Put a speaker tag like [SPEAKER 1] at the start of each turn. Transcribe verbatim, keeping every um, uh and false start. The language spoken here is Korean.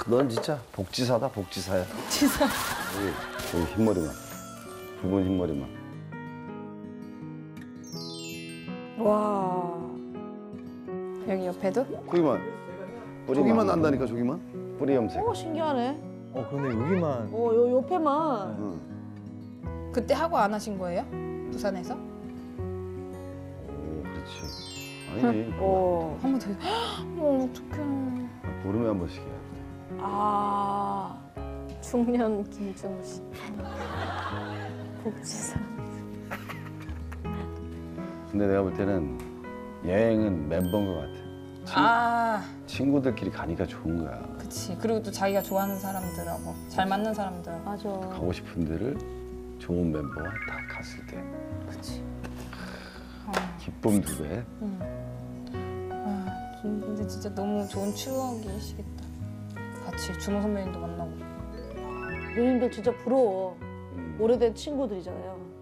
[SPEAKER 1] 넌 진짜 복지사다, 복지사야.
[SPEAKER 2] 복지사.
[SPEAKER 1] 여기, 여기 흰머리만. 붉은 흰머리만.
[SPEAKER 2] 와. 여기 옆에도?
[SPEAKER 1] 거기만. 저기만 난다니까, 저기만. 뿌리 염색.
[SPEAKER 3] 오, 신기하네.
[SPEAKER 4] 어 근데 여기만.
[SPEAKER 3] 어, 요 옆에만.
[SPEAKER 1] 응.
[SPEAKER 2] 그때 하고 안 하신 거예요? 부산에서?
[SPEAKER 1] 오, 그렇지. 아니지.
[SPEAKER 3] 어.
[SPEAKER 2] 한 번 더. 어, 어떡해.
[SPEAKER 1] 보름에 한 번씩 해야 돼.
[SPEAKER 3] 아.
[SPEAKER 5] 중년 김준호 씨. 복지사.
[SPEAKER 1] 근데 내가 볼 때는 여행은 멤버인 것 같아. 친,
[SPEAKER 2] 아,
[SPEAKER 1] 친구들끼리 가니까 좋은 거야.
[SPEAKER 2] 그치. 그리고 또 자기가 좋아하는 사람들하고 잘 맞는 사람들.
[SPEAKER 5] 맞아.
[SPEAKER 1] 가고 싶은 데를 좋은 멤버와 다 갔을 때
[SPEAKER 2] 그치.
[SPEAKER 1] 기쁨 두 배.
[SPEAKER 2] 응. 아, 근데 진짜 너무 좋은 추억이시겠다. 같이 준호 선배님도 만나고.
[SPEAKER 3] 누님들 진짜 부러워.
[SPEAKER 1] 음.
[SPEAKER 3] 오래된 친구들이잖아요.